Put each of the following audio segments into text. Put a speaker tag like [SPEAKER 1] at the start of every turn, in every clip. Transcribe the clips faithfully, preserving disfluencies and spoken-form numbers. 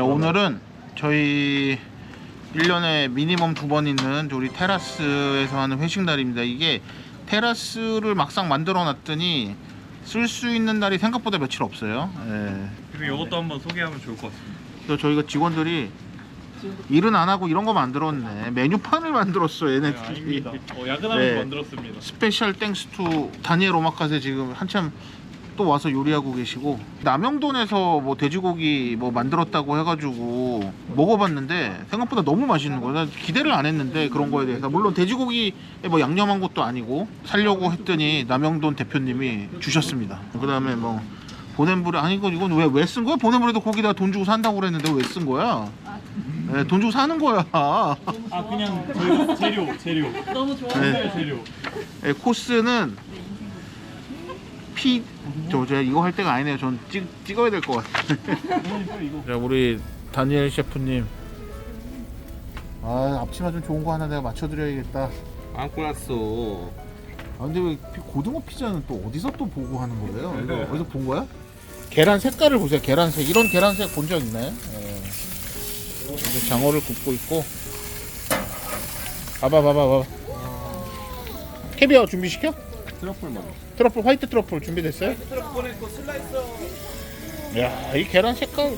[SPEAKER 1] 오늘은 저희 일 년에 미니멈 두 번 있는 우리 테라스에서 하는 회식 날입니다. 이게 테라스를 막상 만들어 놨더니 쓸 수 있는 날이 생각보다 며칠 없어요. 예.
[SPEAKER 2] 그리고 이것도 한번 소개하면 좋을 것 같습니다.
[SPEAKER 1] 그래서 저희가 직원들이 일은 안 하고 이런 거 만들었네. 메뉴판을 만들었어 얘네들이.
[SPEAKER 2] 네, 어, 야근하면서
[SPEAKER 1] 네.
[SPEAKER 2] 만들었습니다.
[SPEAKER 1] 스페셜 땡스 투 다니엘 오마카세 지금 한참 또 와서 요리하고 계시고, 남영돈에서 뭐 돼지고기 뭐 만들었다고 해가지고 먹어봤는데 생각보다 너무 맛있는 거예요. 난 기대를 안 했는데 그런 거에 대해서. 물론 돼지고기에 뭐 양념한 것도 아니고 살려고 했더니 남영돈 대표님이 주셨습니다. 그 다음에 뭐 보냄불에, 아니 이건 이건 왜 왜 쓴 거야? 보냄불에도 고기다 돈 주고 산다고 그랬는데 왜 쓴 거야? 네, 돈 주고 사는 거야.
[SPEAKER 2] 아 그냥 저희 재료 재료
[SPEAKER 3] 너무 좋아요.
[SPEAKER 1] 네.
[SPEAKER 2] 재료.
[SPEAKER 1] 네, 코스는 피... 저, 저 이거 할 때가 아니네요. 전 찍, 찍어야 될 것 같아요. 자, 우리 다니엘 셰프님. 아, 앞치마 좀 좋은 거 하나 내가 맞춰드려야겠다.
[SPEAKER 4] 안 골랐어.
[SPEAKER 1] 아, 근데 왜 피- 고등어 피자는 또 어디서 또 보고 하는 거예요? 이거 어디서 본 거야? 계란 색깔을 보세요. 계란색. 이런 계란색 본 적 있나요? 예. 이제 장어를 굽고 있고. 봐봐, 봐봐, 봐봐. 캐비어 준비시켜?
[SPEAKER 4] 트러플 먹어.
[SPEAKER 1] 트러플, 화이트 트러플 준비됐어요?
[SPEAKER 4] 트러플 했고 슬라이서.
[SPEAKER 1] 야, 이 계란 색깔.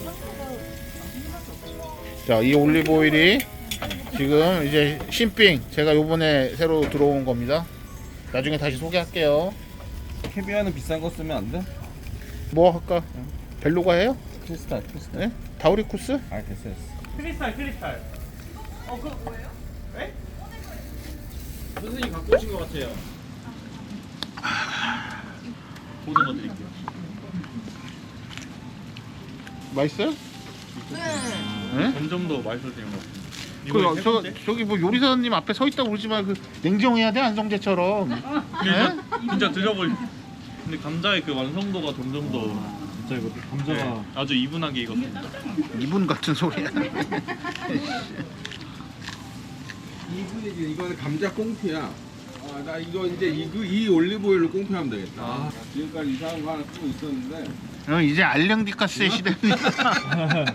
[SPEAKER 1] 자, 이 올리브 오일이 지금 이제 신빙, 제가 요번에 새로 들어온 겁니다. 나중에 다시 소개할게요.
[SPEAKER 4] 캐비아는 비싼 거 쓰면 안 돼?
[SPEAKER 1] 뭐 할까? 벨로가 해요?
[SPEAKER 4] 크리스탈, 크리스탈.
[SPEAKER 1] 네? 다우리쿠스?
[SPEAKER 4] 아, 됐어, 됐어.
[SPEAKER 2] 크리스탈 크리스탈.
[SPEAKER 3] 어, 그거 뭐예요?
[SPEAKER 2] 선생님 갖고 오신 것 같아요. 고등어 드릴게요.
[SPEAKER 1] 맛있어요? 네?
[SPEAKER 2] 점점 더 맛있어지는 것 같습니다.
[SPEAKER 1] 그,
[SPEAKER 2] 이번에 세
[SPEAKER 1] 저,
[SPEAKER 2] 번째?
[SPEAKER 1] 저기 뭐 요리사님 앞에 서 있다고 그러지만 그 냉정해야 돼, 안성재처럼.
[SPEAKER 2] 진짜, 진짜 드셔볼. 근데 감자의 그 완성도가 점점 더 진짜 이거 감자가 네, 아주 이분하게 익었습니다.
[SPEAKER 1] 이분 같은 소리야.
[SPEAKER 4] 이분이지, 이거는 감자 꽁피야. 아, 나 이거 이제 이, 그, 이 올리브 오일로 꽁피하면 되겠다. 아, 지금까지 이상한 거 하나 쓰고 있었는데.
[SPEAKER 1] 어, 이제 알령디카스의 시대입니다.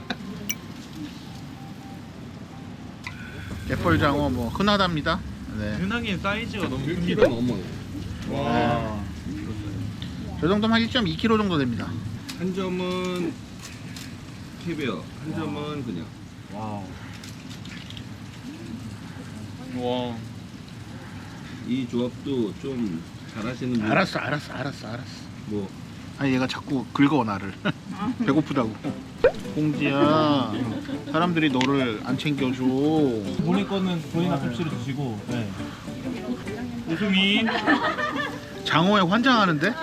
[SPEAKER 1] 갯벌장어 뭐 흔하답니다. 네.
[SPEAKER 2] 흔하긴 사이즈가 너무
[SPEAKER 4] 일
[SPEAKER 2] 큽니다.
[SPEAKER 4] 킬로그램 넘어.
[SPEAKER 2] 와.
[SPEAKER 1] 저 정도면 한 일 점 이 킬로그램 정도 됩니다.
[SPEAKER 4] 한 점은 캐비어, 한 점은 그냥.
[SPEAKER 2] 와우. 와.
[SPEAKER 4] 이 조합도 좀 잘하시는 분.
[SPEAKER 1] 알았어, 알았어, 알았어, 알았어.
[SPEAKER 4] 뭐,
[SPEAKER 1] 아니 얘가 자꾸 긁어 나를. 배고프다고. 공지야, 사람들이 너를 안 챙겨줘.
[SPEAKER 5] 본인 거는 본인 앞접시로 드시고. 네.
[SPEAKER 2] 웃음이
[SPEAKER 1] 장어에 환장하는데?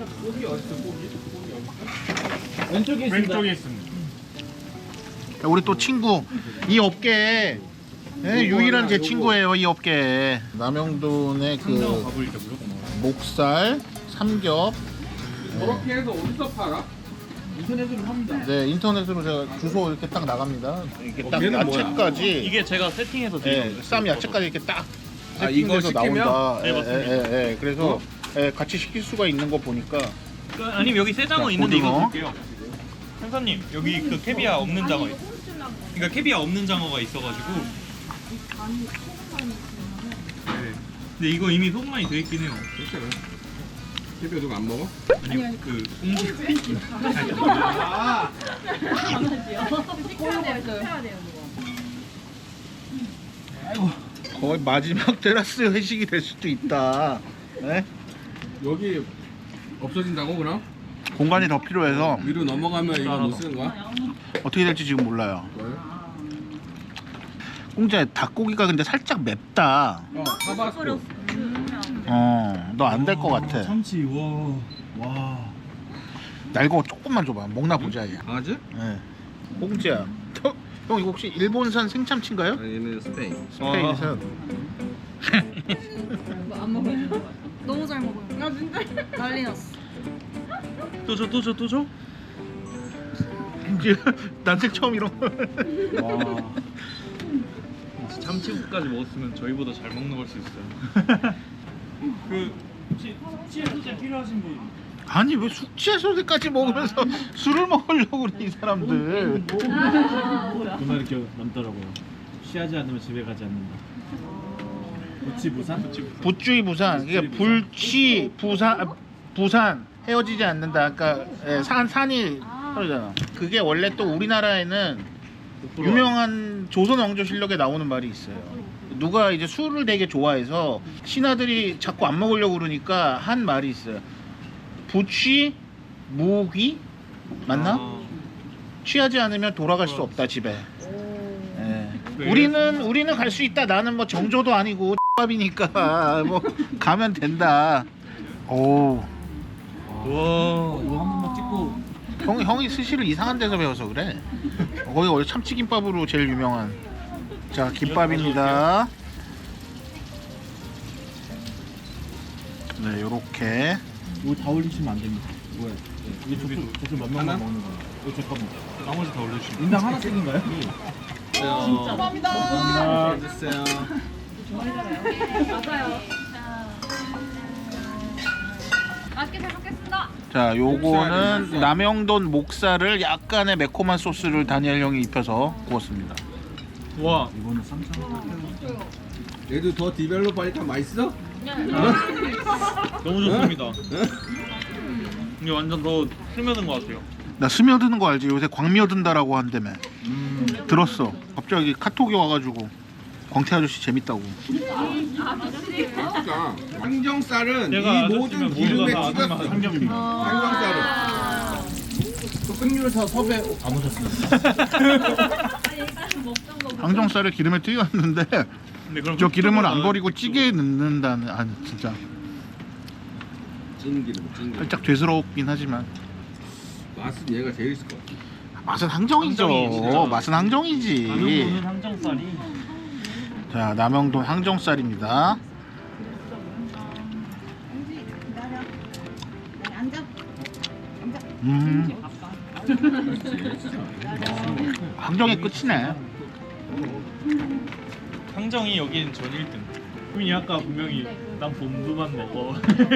[SPEAKER 5] 왼쪽에 있습니다.
[SPEAKER 2] 왼쪽에 있습니다.
[SPEAKER 1] 야, 우리 또 친구, 이 업계에 예, 유일한 제 친구예요. 이 업계에. 남영돈의 그
[SPEAKER 2] 가보니까 무조건 나와요.
[SPEAKER 1] 목살, 삼겹.
[SPEAKER 4] 저렇게 해서 어디서 팔아?
[SPEAKER 5] 인터넷으로 합니다.
[SPEAKER 1] 네, 인터넷으로 제가 주소 이렇게 딱 나갑니다. 이렇게 딱
[SPEAKER 4] 걔는 뭐야?
[SPEAKER 1] 야채까지.
[SPEAKER 2] 이게 제가 세팅해서 드린
[SPEAKER 1] 예, 쌈 야채까지 이렇게 딱
[SPEAKER 4] 아, 이거
[SPEAKER 1] 세팅돼서
[SPEAKER 4] 시키면?
[SPEAKER 1] 나온다.
[SPEAKER 2] 네,
[SPEAKER 1] 예,
[SPEAKER 2] 맞습니다.
[SPEAKER 1] 예, 예, 예. 그래서 예, 같이 시킬 수가 있는 거 보니까
[SPEAKER 2] 그, 아니면 여기 새 장어
[SPEAKER 1] 자,
[SPEAKER 2] 있는데 이거
[SPEAKER 1] 고등어.
[SPEAKER 2] 볼게요. 형사님 여기 그 캐비아 없는 장어 있어. 그러니까 캐비아 없는 장어가 있어가지고. 네. 근데 이거 이미 소금만이 돼 있긴 해요.
[SPEAKER 4] 괜찮아. 캐비어 누가 안 먹어?
[SPEAKER 2] 아니 그 공지.
[SPEAKER 4] 아,
[SPEAKER 3] 해야 돼요. 해야 돼요, 그거.
[SPEAKER 1] 거의 마지막 테라스 회식이 될 수도 있다. 예?
[SPEAKER 4] 여기 없어진다고 그럼?
[SPEAKER 1] 공간이 더 필요해서
[SPEAKER 4] 위로 넘어가면 이거 못 쓰는 거야?
[SPEAKER 1] 어떻게 될지 지금 몰라요.
[SPEAKER 4] 뭐요?
[SPEAKER 1] 공자, 닭고기가 근데 살짝 맵다.
[SPEAKER 4] 어, 타바스코.
[SPEAKER 1] 어, 너 안 될 것 같아.
[SPEAKER 5] 참치. 와. 와.
[SPEAKER 1] 날 거 조금만 줘봐. 먹나 보자 얘.
[SPEAKER 4] 강아지?
[SPEAKER 1] 예. 공자, 형, 형 이거 혹시 일본산 생참치인가요?
[SPEAKER 4] 아니, 얘는 스페인.
[SPEAKER 1] 스페인산.
[SPEAKER 3] 뭐안 먹어요? 너무 잘 먹어요. 아 진짜? 난리 났어.
[SPEAKER 2] 또 줘, 또 줘, 또 줘?
[SPEAKER 1] 이제 난생 처음 이런 거.
[SPEAKER 2] 와. 참치국까지 먹었으면 저희보다 잘 먹는 걸 수 있어요.
[SPEAKER 5] 그 혹시 치즈 소재 필요하신 분?
[SPEAKER 1] 아니 왜 숙취해소제까지 먹으면서 술을 먹으려고 그래 이 사람들.
[SPEAKER 5] 그말 이렇게 남더라고요. 취하지 않으면 집에 가지 않는다. 부치 부산?
[SPEAKER 1] 부추이 부산. 이게 불취 부산 부산 헤어지지 않는다. 그러니까 예, 산 산이 그러잖아. 그게 원래 또 우리나라에는 유명한 조선 왕조실록에 나오는 말이 있어요. 누가 이제 술을 되게 좋아해서 신하들이 자꾸 안 먹으려고 그러니까 한 말이 있어요. 부취 무귀 맞나?
[SPEAKER 2] 아,
[SPEAKER 1] 취하지 않으면 돌아갈 수 없다 집에. 예. 우리는 우리는 갈 수 있다. 나는 뭐 정조도 아니고 X밥이니까 뭐 가면 된다. 오.
[SPEAKER 2] 와.
[SPEAKER 5] 이거 한 번만 찍고
[SPEAKER 1] 형 형이 스시를 이상한 데서 배워서 그래. 거기 원래 참치김밥으로 제일 유명한. 자 김밥입니다. 네 요렇게.
[SPEAKER 5] 이거 다 올리시면 안 됩니다. 뭐야? 이게 저쪽 저쪽 몇 명만
[SPEAKER 4] 하나?
[SPEAKER 5] 먹는 거예요. 이거 잠깐만.
[SPEAKER 2] 나머지 다 올려주시면.
[SPEAKER 5] 인당 하나씩인가요?
[SPEAKER 4] 감사합니다. 해주세요.
[SPEAKER 3] 맞아요. 맛있게 잘 먹겠습니다.
[SPEAKER 1] 자 요거는 남영돈 목살을 약간의 매콤한 소스를 다니엘 형이 입혀서 구웠습니다.
[SPEAKER 2] 와.
[SPEAKER 5] 이거는 삼천 원.
[SPEAKER 4] 얘도 더 디벨롭 하니까 맛있어?
[SPEAKER 2] 너무 좋습니다. 이게 완전 더 스며든 것 같아요.
[SPEAKER 1] 나 스며드는 거 알지? 요새 광미어든다라고 한다며.
[SPEAKER 2] 음.
[SPEAKER 1] 들었어. 갑자기 카톡이 와가지고 광태 아저씨 재밌다고.
[SPEAKER 4] 그러니까 항정살은
[SPEAKER 2] 내가
[SPEAKER 4] 이 모든
[SPEAKER 2] 아저씨면
[SPEAKER 4] 기름에
[SPEAKER 2] 모두가 다 아는
[SPEAKER 4] 찍었어.
[SPEAKER 2] 맛.
[SPEAKER 5] 삼겹입니다.
[SPEAKER 4] 항정살은.
[SPEAKER 5] 흑률사 섭외 안 오셨습니다.
[SPEAKER 1] 항정살을 기름에 튀겼는데
[SPEAKER 2] 근데 그럼
[SPEAKER 1] 저 기름을 안
[SPEAKER 2] 흑수보다는
[SPEAKER 1] 버리고 찌개에 넣는다는. 아 진짜
[SPEAKER 4] 찐기름, 찐기름.
[SPEAKER 1] 살짝 죄스럽긴 하지만
[SPEAKER 4] 맛은 얘가 제일 있을 것 같아.
[SPEAKER 1] 맛은 항정이죠.
[SPEAKER 2] 항정이 진짜.
[SPEAKER 1] 맛은 항정이지.
[SPEAKER 2] 남영도는 항정살이
[SPEAKER 1] 자 남영돈 항정살입니다. 음 항정의 끝이네.
[SPEAKER 2] 항정이 여기는 전 일 등. 수민이 아까 분명히 난 봄두만 먹어.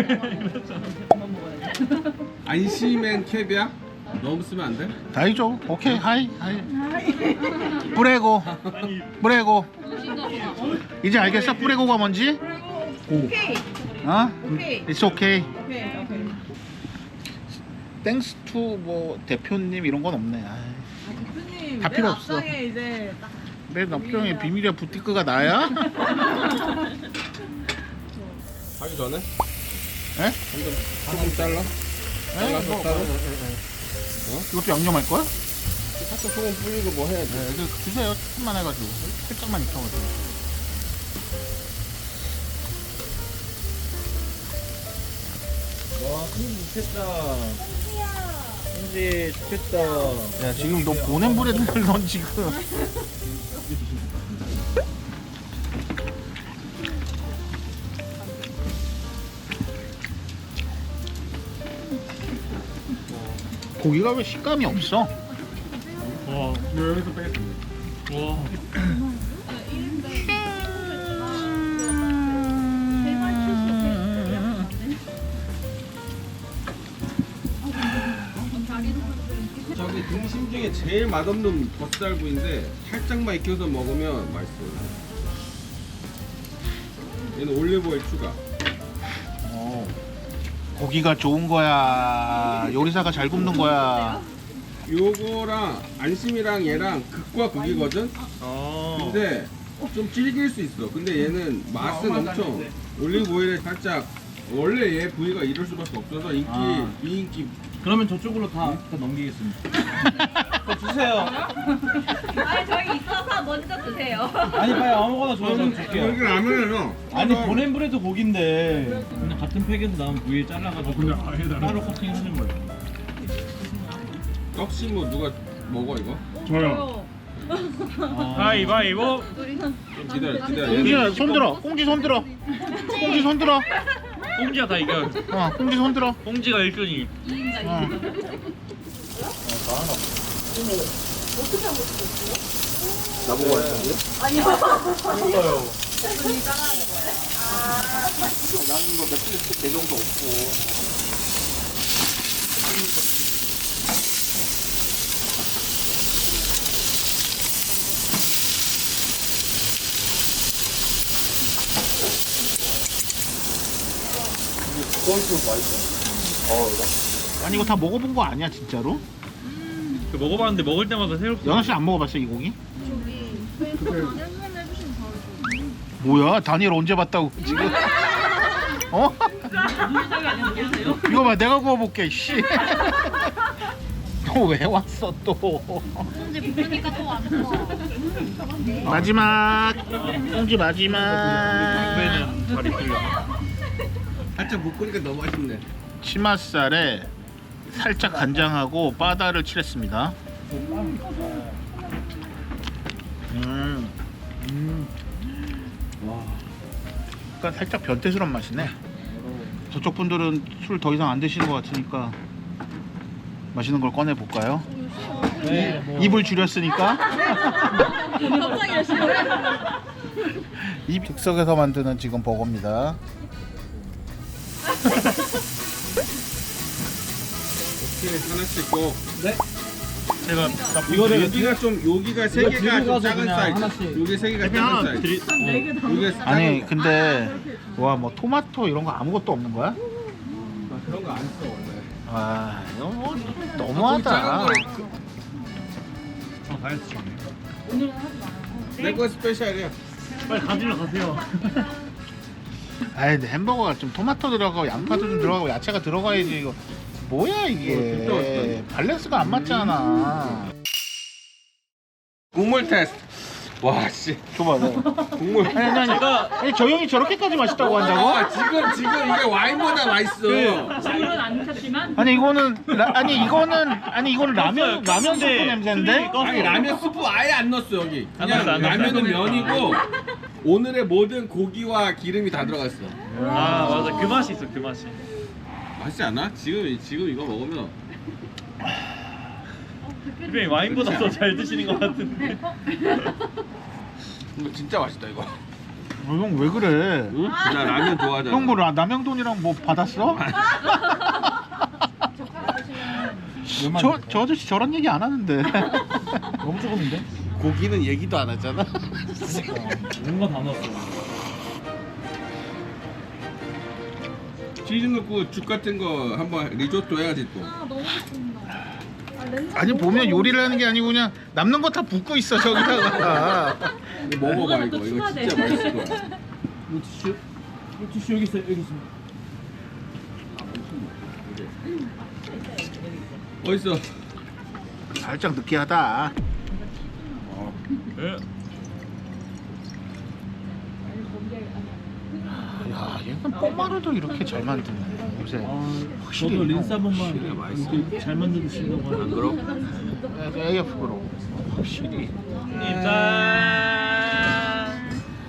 [SPEAKER 4] 안심엔 캡이야? 너무 쓰면 안 돼?
[SPEAKER 1] 다이죠. 오케이 하이 하이. 뿌레고
[SPEAKER 2] 아니
[SPEAKER 1] 뿌레고. 이제 알겠어? 뿌레고가 뭔지?
[SPEAKER 3] 오케이.
[SPEAKER 1] 어?
[SPEAKER 3] 오케이.
[SPEAKER 1] It's okay.
[SPEAKER 3] 오케이. 오케이.
[SPEAKER 1] 땡스 투 뭐 대표님 이런 건 없네. 아이.
[SPEAKER 3] 대표님,
[SPEAKER 1] 다
[SPEAKER 3] 맨
[SPEAKER 1] 필요 없어.
[SPEAKER 3] 앞장에 이제 딱
[SPEAKER 1] 내 납병의 비밀의 부티크가 나야?
[SPEAKER 4] 하기 전에?
[SPEAKER 1] 에?
[SPEAKER 4] 조금 잘라? 잘라서
[SPEAKER 1] 뭐,
[SPEAKER 4] 따로?
[SPEAKER 1] 이것도 양념할 거야?
[SPEAKER 4] 살짝 소금 뿌리고 뭐 해야지.
[SPEAKER 1] 네, 그 주세요. 조금만 해가지고 살짝만 익혀가지고.
[SPEAKER 5] 와, 승지 좋겠다. 승지 좋겠다.
[SPEAKER 1] 야 지금 너 보낸 브레드를 넌 지금. 고기가 왜 식감이 없어?
[SPEAKER 2] 와.
[SPEAKER 4] 여기서 빼.
[SPEAKER 2] 와.
[SPEAKER 4] 저기 등심 중에 제일 맛없는 덧살구인데 살짝만 익혀서 먹으면 맛있어요. 얘는 올리브오일 추가.
[SPEAKER 1] 어, 고기가 좋은 거야. 요리사가 잘 굽는 거야.
[SPEAKER 4] 요거랑 안심이랑 얘랑 극과 극이거든?
[SPEAKER 2] 아.
[SPEAKER 4] 근데 좀 질길 수 있어. 근데 얘는 맛은 엄청 올리브오일에 살짝 원래 얘 부위가 이럴 수밖에 없어서 인기
[SPEAKER 5] 아.
[SPEAKER 4] 비인기.
[SPEAKER 5] 그러면 저쪽으로 다, 다 넘기겠습니다. 주세요.
[SPEAKER 3] 아니 저희 있어서 먼저 드세요.
[SPEAKER 5] 아니 빨리 아무거나 줘요. 저 줄게요.
[SPEAKER 4] 여기 라면은
[SPEAKER 5] 아니 보낸 브레드 고기인데 그냥 같은 팩에서 나온 부위에 잘라가지고 따로 커팅하는 거예요.
[SPEAKER 4] 떡시 뭐 누가 먹어 이거?
[SPEAKER 2] 저요.
[SPEAKER 5] 아,
[SPEAKER 2] 가위바위보.
[SPEAKER 4] 좀 기다려 기다려. 얘는
[SPEAKER 1] 꽁지야 손 들어. 꽁지 손 들어. 꽁지 손 들어.
[SPEAKER 2] 꽁지가 다 이겨.
[SPEAKER 1] 어, 꽁지 손 들어.
[SPEAKER 2] 꽁지가 일 등이.
[SPEAKER 1] 어.
[SPEAKER 4] 나보고 왔어.
[SPEAKER 1] 나는 뭐 며칠 개 정도 없고. 아니 이거 다 먹어본 거 아니야 진짜로?
[SPEAKER 2] 그 먹어봤는데 먹을 때마다 새롭게.
[SPEAKER 1] 연아 씨 안 먹어봤어 이 고기?
[SPEAKER 3] 저기 한번 해주시면 바로
[SPEAKER 1] 뭐야 다니엘 언제 봤다고 지금? 어? 이거 봐 내가 구워볼게 씨. 너 왜 왔어 또?
[SPEAKER 3] 꽁지 볶으니까 또 안 좋아.
[SPEAKER 1] 마지막 꽁지 마지막
[SPEAKER 2] 배는 잘 익히려.
[SPEAKER 4] 살짝 묶으니까 너무 맛있네.
[SPEAKER 1] 치맛살에 살짝 간장하고 바다를 칠했습니다. 음,
[SPEAKER 5] 음. 와.
[SPEAKER 1] 그러니까 살짝 변태스러운 맛이네. 저쪽 분들은 술 더 이상 안 드시는 것 같으니까 맛있는 걸 꺼내 볼까요?
[SPEAKER 5] 네, 뭐.
[SPEAKER 1] 입을 줄였으니까.
[SPEAKER 3] 갑자기 열심히.
[SPEAKER 1] 입 즉석에서 만드는 지금 버거입니다.
[SPEAKER 4] 오케이 하나씩 꼭.
[SPEAKER 5] 네.
[SPEAKER 2] 제가
[SPEAKER 5] 이거를
[SPEAKER 4] 여기가 좀 여기가 세
[SPEAKER 5] 이거
[SPEAKER 4] 개가
[SPEAKER 5] 들고
[SPEAKER 4] 좀
[SPEAKER 5] 가서
[SPEAKER 4] 작은
[SPEAKER 5] 그냥
[SPEAKER 4] 사이즈.
[SPEAKER 5] 하나씩.
[SPEAKER 4] 여기 세 개가
[SPEAKER 2] 대표
[SPEAKER 4] 작은
[SPEAKER 2] 하나
[SPEAKER 4] 사이즈.
[SPEAKER 2] 드리.
[SPEAKER 4] 여기가
[SPEAKER 1] 아니
[SPEAKER 4] 작은-
[SPEAKER 1] 근데 와 뭐 토마토 이런 거 아무것도 없는 거야?
[SPEAKER 4] 아, 그런 거 안 써 원래.
[SPEAKER 1] 아 이거 뭐
[SPEAKER 4] 아, 작은
[SPEAKER 1] 너무하다.
[SPEAKER 4] 거를
[SPEAKER 2] 아, 다이어트 중이네.
[SPEAKER 4] 내거 스페셜이야.
[SPEAKER 2] 빨리 가지러 가세요.
[SPEAKER 1] 아이 근데 햄버거가 좀 토마토 들어가고 양파도 좀 들어가고 야채가 들어가야지 이거 뭐야
[SPEAKER 4] 어,
[SPEAKER 1] 이게
[SPEAKER 4] 진짜 맛있다.
[SPEAKER 1] 밸런스가 안 맞잖아.
[SPEAKER 4] 국물 테스트. 와 씨.
[SPEAKER 1] 줘봐 너.
[SPEAKER 4] 국물.
[SPEAKER 1] 아니 아니 아니, 아니 저 형이 저렇게까지 맛있다고 한다고?
[SPEAKER 4] 아, 지금 지금 이게 와인보다 맛있어.
[SPEAKER 6] 물은 안 켰지만
[SPEAKER 1] 아니 이거는 라, 아니 이거는 아니 이거는 라면 라면 스프 냄새인데?
[SPEAKER 4] 아니 라면 스프 아예 안 넣었어 여기.
[SPEAKER 2] 안
[SPEAKER 4] 그냥
[SPEAKER 2] 넣었어, 안 넣었어.
[SPEAKER 4] 라면은 면이고 오늘의 모든 고기와 기름이 다 들어갔어.
[SPEAKER 2] 아 맞아 그 맛이 있어 그 맛이.
[SPEAKER 4] 맛있지 않아? 지금 지금 이거 먹으면
[SPEAKER 2] 그래 와인보다 더 잘 드시는 것 같은데.
[SPEAKER 4] 이거 진짜 맛있다 이거.
[SPEAKER 1] 형 왜 그래?
[SPEAKER 4] 응? 나 라면 좋아하잖아.
[SPEAKER 1] 형 뭐 남영돈이랑 뭐 받았어? 저, 저 아저씨 저런 얘기 안 하는데.
[SPEAKER 5] 너무 조금인데?
[SPEAKER 4] 고기는 얘기도 안 하잖아.
[SPEAKER 5] 뭔가 다 넣었어.
[SPEAKER 4] 치즈 넣고 죽 같은 거 한번 리조또 해야지 또.
[SPEAKER 3] 아 너무 좋습니다. 아, 렌즈
[SPEAKER 1] 아니 보면 요리를 하는 게 아니고 그냥 남는 거 다 붓고 있어 저기다가.
[SPEAKER 4] 이거 먹어봐 이거 이거 진짜 맛있을 거야.
[SPEAKER 5] 이 티슈? 이 티슈 여기 있어요. 여기 있습니다.
[SPEAKER 4] 어딨어?
[SPEAKER 1] 살짝 느끼하다.
[SPEAKER 2] 예.
[SPEAKER 1] 야 얘는 뽀마르도 이렇게 잘 만드네 요새.
[SPEAKER 5] 아,
[SPEAKER 1] 확실히
[SPEAKER 5] 저도 린스 한 번만
[SPEAKER 4] 확실히 맛있어.
[SPEAKER 5] 이렇게 잘 만드신다고
[SPEAKER 4] 안
[SPEAKER 5] 하는데.
[SPEAKER 4] 그럼?
[SPEAKER 1] 에이에프로 확실히.
[SPEAKER 2] 짠.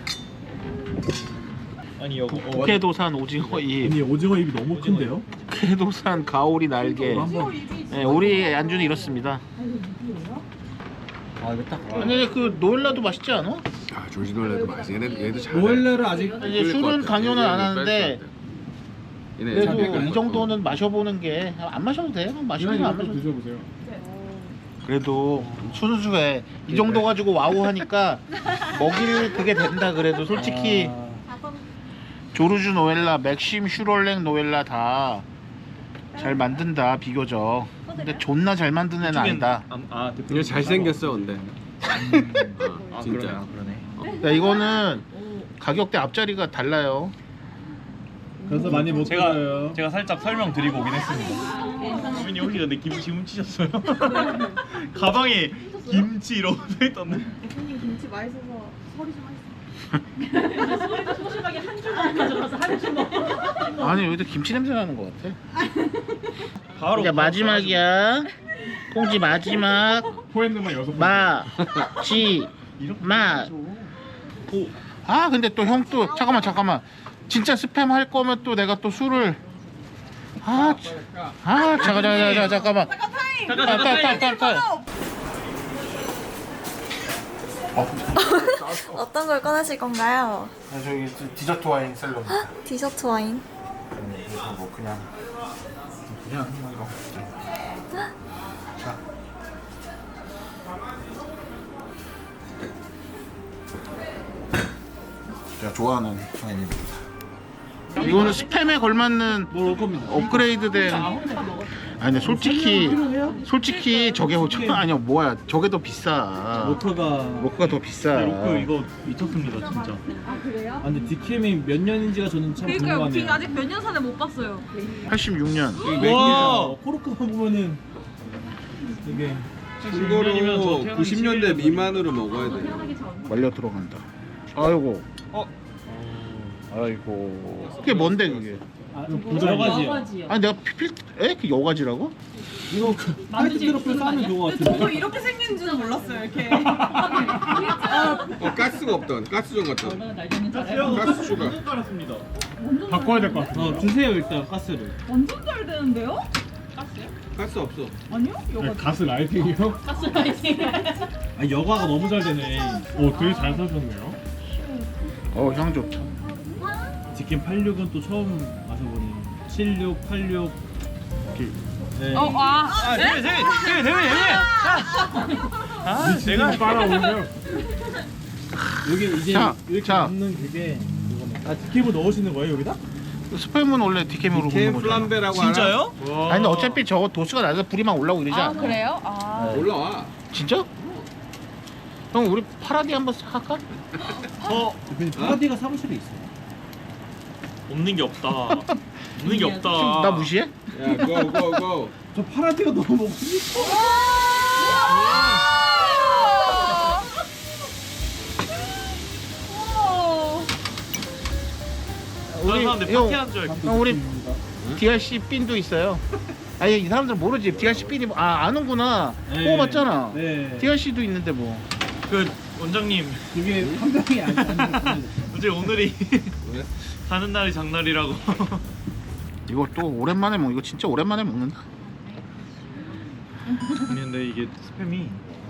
[SPEAKER 2] 아니 여기 어,
[SPEAKER 1] 국회도산 오징어 잎,
[SPEAKER 5] 아니 오징어 입이 너무 큰데요?
[SPEAKER 1] 국회도산 가오리 날개.
[SPEAKER 5] 한번.
[SPEAKER 1] 네, 우리 안주는 이렇습니다.
[SPEAKER 5] 아 이거 딱.
[SPEAKER 1] 아니 그 노엘라도 맛있지 않아?
[SPEAKER 4] 아 조지놀레도 맛있어. 얘네도 얘도 잘.
[SPEAKER 5] 오일레를 아직
[SPEAKER 1] 이제 술은 강요는 안 하는데 그래도 이 정도는 마셔보는 게 안 마셔도 돼요. 마시면 안 마셔도 돼.
[SPEAKER 5] 드셔보세요.
[SPEAKER 1] 그래도 순수해. 이 정도 가지고 와우 하니까 먹일 그게 된다. 그래도 솔직히
[SPEAKER 5] 아,
[SPEAKER 1] 조르주 노엘라, 맥심 슈롤랭 노엘라 다 잘 만든다 비교적. 근데 존나 잘 만드는 애는 아니다.
[SPEAKER 2] 아
[SPEAKER 4] 얘 잘생겼어 근데.
[SPEAKER 2] 아
[SPEAKER 4] 진짜.
[SPEAKER 2] 그러네 아, 그러네.
[SPEAKER 1] 야, 이거는 가격대 앞자리가 달라요.
[SPEAKER 5] 그래서 많이 못
[SPEAKER 2] 제가
[SPEAKER 5] 드려요.
[SPEAKER 2] 제가 살짝 설명드리고 오긴 했습니다. 주민이 혹시 근데 김치 훔치셨어요? 가방에 김치 이러고 써있던데.
[SPEAKER 3] 대표님 김치 맛있어서 소리 좀 하세요.
[SPEAKER 6] 소심하게 한 줄만 가져가서 한 줄 먹고.
[SPEAKER 1] 아니 여기도 김치 냄새 나는 것 같아.
[SPEAKER 2] 바로
[SPEAKER 1] 이제 마지막이야. 꽁지 마지막.
[SPEAKER 5] 포핸드만 여섯 번.
[SPEAKER 1] 마지 마.
[SPEAKER 2] 오.
[SPEAKER 1] 아 근데 또 형 또 잠깐만 잠깐만. 진짜 스팸 할 거면 또 내가 또 술을 아, 참. 아 잠깐 잠깐 잠깐 잠깐만.
[SPEAKER 2] 잠깐
[SPEAKER 1] 아,
[SPEAKER 2] 잠깐
[SPEAKER 1] 딸, 딸, 딸, 딸.
[SPEAKER 7] 어떤 걸 꺼내실 건가요?
[SPEAKER 1] 아, 저기 디저트 와인 셀러입니다.
[SPEAKER 7] 디저트 와인.
[SPEAKER 1] 네. 그래서 뭐 그냥 그냥 뭐 이거 자 제가 좋아하는 와인입니다. 이거는 스팸에 걸맞는
[SPEAKER 5] 뭘 올 겁니다.
[SPEAKER 1] 업그레이드된 아니 근데 솔직히 솔직히 저게 저 아니야 뭐야 저게 더 비싸.
[SPEAKER 5] 로커가
[SPEAKER 1] 로크가 더 비싸.
[SPEAKER 2] 로크 이거 미쳤습니다 진짜.
[SPEAKER 3] 아 그래요?
[SPEAKER 5] 아 근데 디케임이 몇 년인지가 저는 참
[SPEAKER 3] 그러니까요. 빅
[SPEAKER 5] 궁금하네요.
[SPEAKER 3] 아직 몇 년 전에 못 봤어요.
[SPEAKER 1] 팔십육 년.
[SPEAKER 5] 와 코르크만 보면은 이게
[SPEAKER 4] 이거로 구십 년대 미만으로 먹어야 돼.
[SPEAKER 1] 말려 들어간다. 아이고.
[SPEAKER 2] 어?
[SPEAKER 1] 아이고. 그게 뭔데 그게?
[SPEAKER 5] 아, 여러 가지요.
[SPEAKER 1] 아니 내가 필 에? 그 여가지라고?
[SPEAKER 5] 이거 그 화이트 트러플 싸면 그거
[SPEAKER 3] 근데 저도
[SPEAKER 5] 같은데.
[SPEAKER 3] 이렇게 생긴 줄은 몰랐어요. 이렇게.
[SPEAKER 4] 어 가스가 없던 가스전 같던.
[SPEAKER 6] 날 되는 잘해요.
[SPEAKER 4] 가스 추가.
[SPEAKER 2] 깔았습니다.
[SPEAKER 5] 바꿔야 될 것 같아. 어 주세요 일단 가스를.
[SPEAKER 3] 완전 잘 되는데요?
[SPEAKER 4] 가스 없어.
[SPEAKER 3] 아니요? 여가
[SPEAKER 5] 가스 라이팅이요?
[SPEAKER 6] 가스 라이팅.
[SPEAKER 5] 아 여가가 너무 잘 되네. 오 되게 잘 사셨네요.
[SPEAKER 1] 어 향 좋다.
[SPEAKER 5] 디케임 팔십육은 또 처음 마셔보니 칠십육, 팔십육 이렇게. 네.
[SPEAKER 3] 어, 아.
[SPEAKER 2] 아 대회 대회 대회 대회 대회. 아 내가
[SPEAKER 5] 빨아오면 여기 이제
[SPEAKER 1] 자,
[SPEAKER 5] 이렇게
[SPEAKER 1] 자.
[SPEAKER 5] 넣는 그게 그거네. 아 디케임을 넣으시는 거예요 여기다?
[SPEAKER 1] 스팸은 원래 디케임으로
[SPEAKER 4] 디케임
[SPEAKER 1] 굽는 거잖아.
[SPEAKER 4] 플람베라고
[SPEAKER 2] 진짜요?
[SPEAKER 1] 아니 근데 어차피 저거 도수가 낮아서 불이만 올라오고 이러지
[SPEAKER 3] 아
[SPEAKER 1] 않아?
[SPEAKER 3] 그래요? 아.
[SPEAKER 4] 알아? 올라와.
[SPEAKER 1] 진짜? 형 우리 파라디 한번 싹 할까?
[SPEAKER 2] 어
[SPEAKER 5] 근데 파라디가 사무실에 있어요.
[SPEAKER 2] 없는 게 없다. 없는 게 없다.
[SPEAKER 1] 나 무시해?
[SPEAKER 4] 야, 고, 고, 고.
[SPEAKER 5] 저 파라디가 너무 먹고 싶어.
[SPEAKER 2] 다른 사람들
[SPEAKER 1] 형,
[SPEAKER 2] 파티하는 줄 알고.
[SPEAKER 1] 형 우리 디알씨 핀도 있어요. 아니 이 사람들 모르지. 디알씨 핀이 뭐- 아 아는구나.
[SPEAKER 5] 네.
[SPEAKER 1] 뽑아봤잖아.
[SPEAKER 5] 네.
[SPEAKER 1] 디알씨도 있는데 뭐.
[SPEAKER 2] 그 원장님
[SPEAKER 5] 그게 한 병이 아니야.
[SPEAKER 2] 어제 오늘이
[SPEAKER 4] 왜?
[SPEAKER 2] 가는 날이 장날이라고.
[SPEAKER 1] 이거 또 오랜만에 먹. 이거 진짜 오랜만에 먹는다.
[SPEAKER 2] 아니 근데 이게 스팸이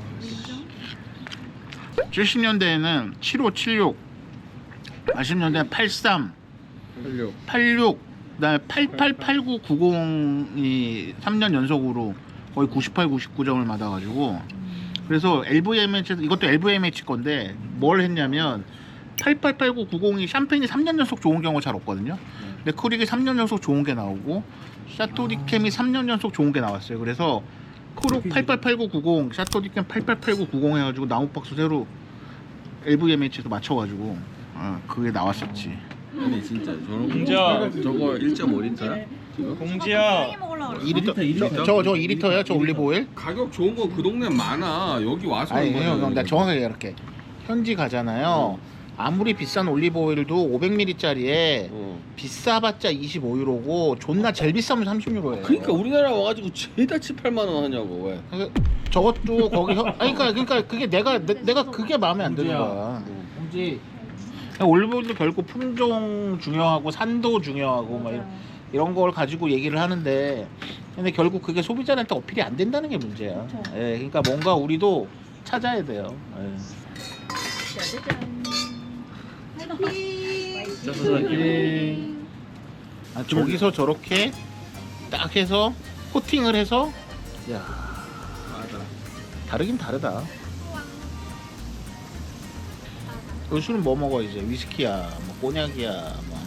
[SPEAKER 1] 칠십 년대에는 칠십오, 칠십육, 팔십 년대는 팔십삼,
[SPEAKER 4] 살려.
[SPEAKER 1] 팔십육, 그다음에 팔십팔, 팔십구, 구십이 삼 년 연속으로 거의 구십팔, 구십구 점을 받아가지고 그래서 엘브이엠에이치 이것도 엘브이엠에이치 건데 뭘 했냐면 팔십팔, 팔십구, 구십이 샴페인이 삼 년 연속 좋은 경우가 잘 없거든요. 근데 크릭이 삼 년 연속 좋은 게 나오고 샤토디캠이 삼 년 연속 좋은 게 나왔어요. 그래서 크룩 팔십팔, 팔십구, 구십, 샤토디캠 팔십팔, 팔십구, 구십 해가지고 나무박스 새로 엘브이엠에이치에서 맞춰가지고 어, 그게 나왔었지.
[SPEAKER 4] 아니 진짜 저런
[SPEAKER 2] 공지야.
[SPEAKER 4] 저거 일 점 오 리터야? 지금?
[SPEAKER 2] 공지야.
[SPEAKER 3] 먹으려고 그래.
[SPEAKER 1] 이 리터,
[SPEAKER 5] 이 리터, 이 리터.
[SPEAKER 1] 저, 저 이 리터야? 저 올리브오일?
[SPEAKER 4] 가격 좋은 거 그 동네 많아. 여기 와서
[SPEAKER 1] 아니
[SPEAKER 4] 하는
[SPEAKER 1] 형,
[SPEAKER 4] 거야.
[SPEAKER 1] 형, 나 정확하게 이렇게 현지 가잖아요. 아무리 비싼 올리브오일도 오백 밀리리터짜리에
[SPEAKER 4] 어.
[SPEAKER 1] 비싸봤자 이십오 유로고 존나 제일 비싸면 삼십 유로예요.
[SPEAKER 4] 그러니까 우리나라 와가지고 죄다 칠팔만 원 하냐고 왜?
[SPEAKER 1] 그러니까 저것도 거기 현, 아니 그러니까 그러니까 그게 내가 내, 내가 그게 마음에 안 드는 거야.
[SPEAKER 5] 홍지
[SPEAKER 1] 올리브오일도 결국 품종 중요하고 산도 중요하고 막 이런, 이런 걸 가지고 얘기를 하는데 근데 결국 그게 소비자한테 어필이 안 된다는 게 문제야. 예, 그러니까 뭔가 우리도 찾아야 돼요. 예. 아, 저기서 저렇게 딱 해서 코팅을 해서 야
[SPEAKER 4] 맞아.
[SPEAKER 1] 다르긴 다르다. 요 술은 뭐 먹어 이제 위스키야, 뭐 꼬냑이야, 뭐.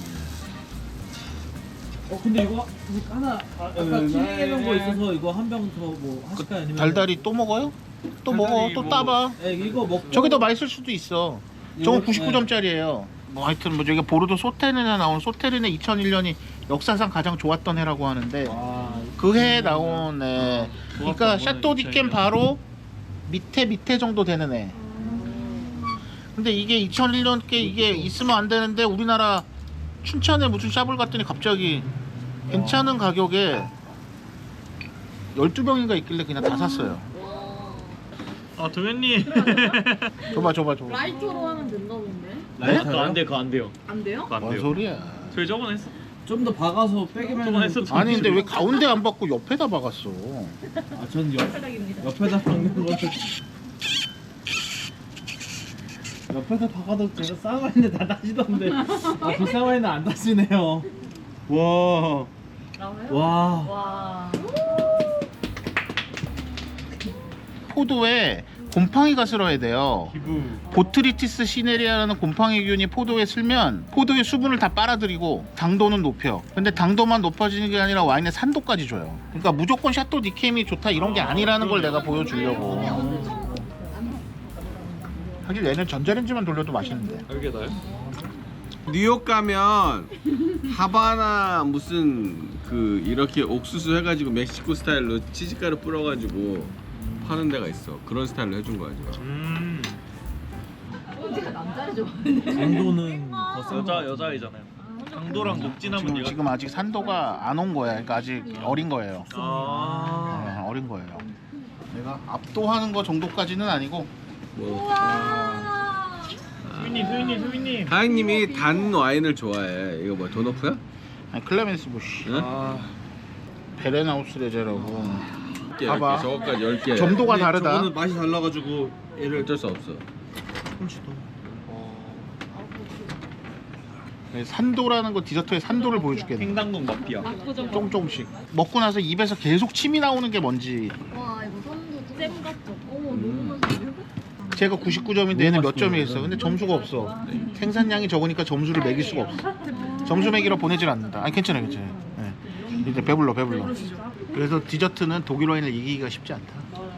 [SPEAKER 5] 어 근데 이거 이거 하나 아까 튀겨놓은 거 있어서 이거 한 병 더 뭐 하실까요? 아니면
[SPEAKER 1] 달달이 또 먹어요? 또 먹어,
[SPEAKER 2] 달달이
[SPEAKER 1] 또
[SPEAKER 2] 뭐-
[SPEAKER 1] 따봐.
[SPEAKER 5] 네, 이거 먹고
[SPEAKER 1] 저게 더 맛있을 수도 있어. 저거
[SPEAKER 5] 이거-
[SPEAKER 1] 구십구 점짜리예요. 뭐 하여튼 뭐 저기 보르도 소테르네 나온 소테르네 이천일 년이 역사상 가장 좋았던 해라고 하는데
[SPEAKER 5] 와,
[SPEAKER 1] 그 해에 나온 애. 그러니까
[SPEAKER 2] 좋았던
[SPEAKER 1] 샤또
[SPEAKER 2] 거는
[SPEAKER 1] 디캠
[SPEAKER 2] 이천일 년.
[SPEAKER 1] 바로 밑에 밑에 정도 되는 애. 근데 이게 이천일 년 게 이게 있으면 안 되는데 우리나라 춘천에 무슨 샵을 갔더니 갑자기 괜찮은 가격에 열두 병인가 있길래 그냥 다 샀어요.
[SPEAKER 2] 아 도현님.
[SPEAKER 1] 줘봐 줘봐 줘봐.
[SPEAKER 3] 라이터로 하면 된다 본데.
[SPEAKER 1] 네?
[SPEAKER 2] 그거 안 돼, 그거 안 돼요.
[SPEAKER 3] 안 돼요?
[SPEAKER 2] 그거 안
[SPEAKER 1] 뭔
[SPEAKER 2] 돼요.
[SPEAKER 1] 소리야.
[SPEAKER 2] 저희 저번에 했어.
[SPEAKER 5] 좀 더 박아서 빼기만
[SPEAKER 2] 저번에 했었죠.
[SPEAKER 1] 아니 근데 왜 가운데 안 받고 옆에다 박았어?
[SPEAKER 5] 아전 옆 옆에다 박는 거를 옆에다 박아도 제가 쌍화인데 다 다시던데 아그 쌍화인은 안 다시네요. 와.
[SPEAKER 6] 나와요?
[SPEAKER 5] 와.
[SPEAKER 6] 와.
[SPEAKER 1] 포도에 곰팡이가 슬어야 돼요.
[SPEAKER 2] 기부.
[SPEAKER 1] 보트리티스 시네리아라는 곰팡이균이 포도에 슬면 포도의 수분을 다 빨아들이고 당도는 높여. 근데 당도만 높아지는 게 아니라 와인의 산도까지 줘요. 그러니까 무조건 샤또 니켐이 좋다 이런 게 아니라는 걸 내가 보여주려고. 하긴 얘는 전자레인지만 돌려도 맛있는데.
[SPEAKER 2] 이게 나요?
[SPEAKER 4] 뉴욕 가면 하바나 무슨 그 이렇게 옥수수 해가지고 멕시코 스타일로 치즈가루 뿌려가지고 파는 데가 있어. 그런 스타일로 해준 거야 지금.
[SPEAKER 2] 음.
[SPEAKER 6] 꼰지가 남자를 좋아하는데.
[SPEAKER 5] 강도는 더 센.
[SPEAKER 2] 여자 여자이잖아요. 강도랑 녹진하면
[SPEAKER 1] 지금,
[SPEAKER 2] 얘가
[SPEAKER 1] 지금 아직 산도가 안 온 거야. 그러니까 아직 어린 거예요.
[SPEAKER 2] 아.
[SPEAKER 1] 네, 어린 거예요. 내가 압도하는 거 정도까지는 아니고.
[SPEAKER 4] 뭐
[SPEAKER 2] 수빈님 수빈님 수빈님.
[SPEAKER 4] 하영님이 단 와인을 좋아해. 이거 뭐 도너프야?
[SPEAKER 1] 아니, 클레멘스 부시,
[SPEAKER 4] 응?
[SPEAKER 2] 아.
[SPEAKER 1] 베레나우스 레제라고.
[SPEAKER 4] 열 개,
[SPEAKER 1] 봐봐.
[SPEAKER 4] 열 개. 저거까지 열 개.
[SPEAKER 1] 점도가 다르다.
[SPEAKER 5] 저거는 맛이 달라가지고 얘를
[SPEAKER 4] 어쩔 수 없어.
[SPEAKER 1] 네, 산도라는 거 디저트의 산도를 보여줄게.
[SPEAKER 2] 횡단국 마피아.
[SPEAKER 6] 압구정
[SPEAKER 1] 조금 조금씩 먹고 나서 입에서 계속 침이 나오는 게 뭔지.
[SPEAKER 3] 와 이거 선도
[SPEAKER 6] 잼 같죠?
[SPEAKER 3] 어머 너무 맛있어.
[SPEAKER 1] 제가 구십구 점인데 얘는 몇 점이 있어. 근데 점수가 없어. 생산량이 적으니까 점수를 매길 수가 없어. 점수 매기러 보내질 않는다. 아니 괜찮아 괜찮아. 네. 이제 배불러 배불러. 그래서 디저트는 독일 와인을 이기기가 쉽지 않다.